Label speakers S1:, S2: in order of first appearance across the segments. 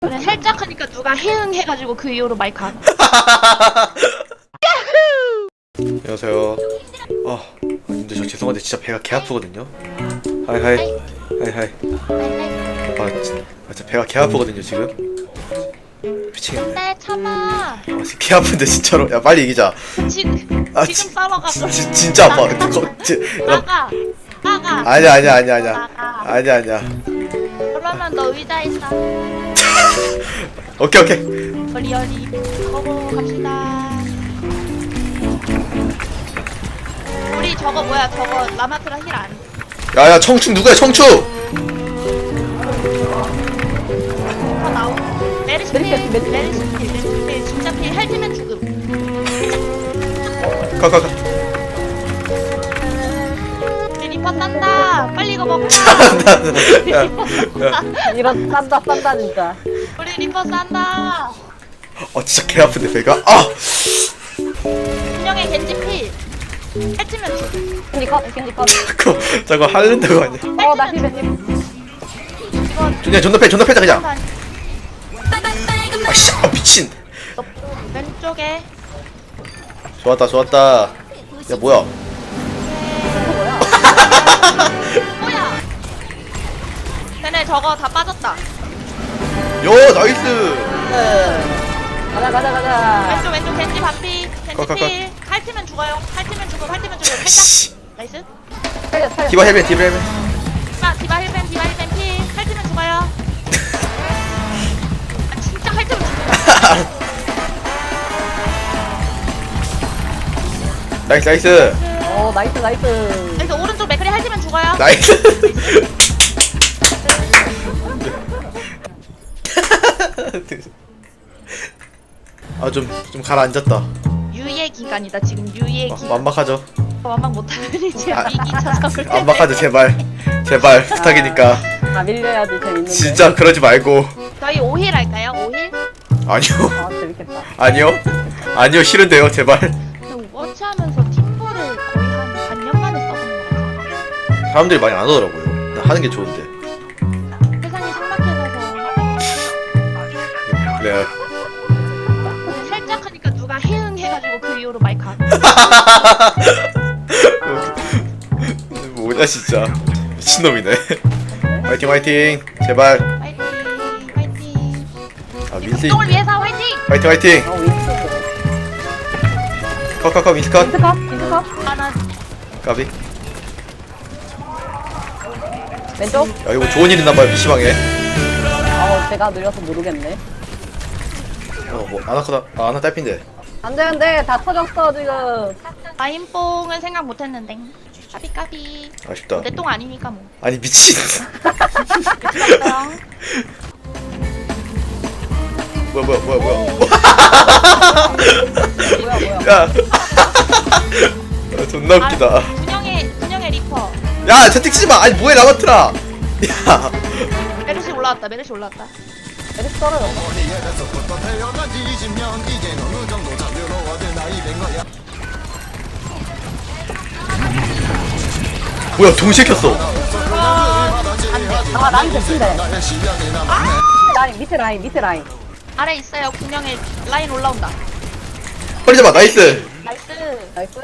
S1: 그래, 살짝 하니까 누가 해응 해가지고 그 이후로 마이크 안.
S2: 안녕하세요. 근데 저 죄송한데 진짜 배가 개 아프거든요. 하이. 진짜 배가 개 아프거든요 지금. 미치겠네.
S1: 근데 참아.
S2: 지금 개 아픈데 진짜로. 야 빨리 이기자.
S1: 지금 싸워가.
S2: 진짜 아파.
S1: 나가.
S2: 아니야.
S1: 나가. 그러면 너 의자에 있어.
S2: 오케이.
S1: 리얼리 거고 갑시다. 우리 저거 뭐야? 저거 라마트라 힐 안.
S2: 야야 청춘 누구야 청춘?
S1: 더 나오. 메르시 필 진짜 필 헬트면 죽음.
S2: 가.
S1: 우리 리퍼 싼다. 빨리 이거 먹자.
S3: 이런 싼다 진짜.
S1: 우리 리퍼 싼다.
S2: 진짜 개 아픈데 배가.
S1: 분명히 겐지 필. 헬트면 죽음.
S3: 겐지 컷.
S2: 저거 할른다고 아니야?
S3: 나 힐벤.
S1: 이거
S2: 존나 패자 그냥. 미친.
S1: 왼쪽에.
S2: 좋았다. 야 뭐야?
S1: 뭐야? 쟤네 저거 다 빠졌다.
S2: 요 나이스.
S3: 가자.
S1: 왼쪽 겐지 반피.
S2: 가.
S1: 겐지 필. 핥으면 죽어요. 핥으면 죽음. 살짝.
S2: 씨.
S1: 나이스.
S3: 살려.
S2: 디바 헬벤.
S1: 디바 힐벤 필. 핥으면 죽어요. 진짜 핥으면 죽어.
S2: 나이스.
S3: 나이스.
S1: 그래서 오른쪽 맥크리 핥으면 죽어요.
S2: 나이스. 좀 가라앉았다.
S1: 유예 기간이다. 지금 유예 기간.
S2: 완박하죠.
S1: 완막 못하면 이제 위기 찾아올 텐데.
S2: 완박하죠 제발 부탁이니까.
S3: 밀려야지 재밌는데.
S2: 진짜 그러지 말고.
S1: 저희 5힐 할까요? 5힐?
S2: 아니요.
S3: 재밌겠다.
S2: 아니요 싫은데요 제발.
S1: 오버워치 하면서 팀볼을 거의 한 반년 만에 써보는 것 같아요.
S2: 사람들이 많이 안 오더라고요. 나 하는 게 좋은데.
S1: 세상이 삭막해져서
S2: 그래.
S1: 살짝 하니까 누가 해응 해가지고 그 이후로 마이크 안.
S2: 뭐냐 진짜 미친놈이네. 화이팅 제발.
S1: 파이팅.
S2: 민스
S1: 운동을 위해서 화이팅.
S2: 화이팅. 컷 민스컷.
S3: 빈스컷.
S1: 아나
S2: 까비.
S3: 왼쪽.
S2: 야 이거 좋은 일 있나봐요 PC방에.
S3: 제가 느려서 모르겠네.
S2: 뭐 아나 딸핀데.
S3: 안돼. 다 터졌어 지금.
S1: 라인뽕은 생각 못했는데. 까비.
S2: 아쉽다.
S1: 내 똥 아니니까 뭐.
S2: 아니 미친.
S1: 됐어요.
S2: 뭐야.
S3: 뭐야.
S2: 야. 존나 웃기다.
S1: 분영의 리퍼.
S2: 야 채팅 치지 마. 아니 뭐해 라마트라. 야.
S1: 메르시 올라왔다.
S3: 에릭 떨어졌어.
S2: 뭐야 동시에 켰어.
S3: 라인 대신데. 라인 밑에 라인.
S1: 아래 있어요. 분영의 라인 올라온다.
S2: 빨리 잡아. 나이스.
S3: 나이스.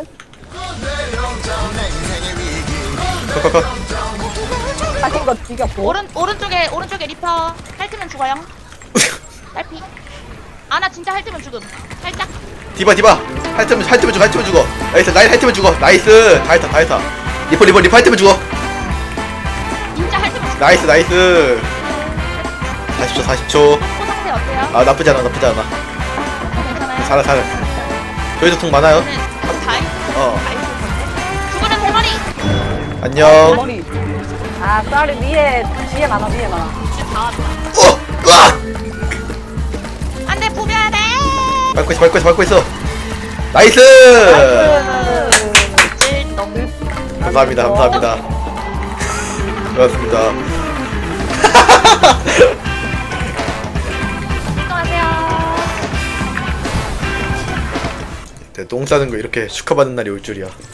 S2: 컷.
S3: 사신 거 죽였고.
S1: 오른쪽에 리퍼 핥으면 죽어요. 딸피. 아나 진짜 핥으면 죽음. 살짝.
S2: 디바 핥으면 죽어. 나이스. 라인 핥으면 죽어. 나이스. 다 했다. 리퍼 핥으면 죽어.
S1: 진짜 핥으면 죽음.
S2: 나이스. 40초.
S1: 코 상태 어때요?
S2: 나쁘지 않아.
S1: 괜찮아요?
S2: 살아. 저희도 통 많아요.
S1: 다 있어. 죽으면 세 마리.
S2: 안녕.
S3: 머리. 쌀이 위에 많아.
S1: 이제 다 왔다.
S2: 으악!
S1: 안돼 부벼야 돼.
S2: 밟고 있어. 나이스. 감사합니다. 고맙습니다.
S1: 운동하세요.
S2: 똥 싸는 거 이렇게 축하받는 날이 올 줄이야.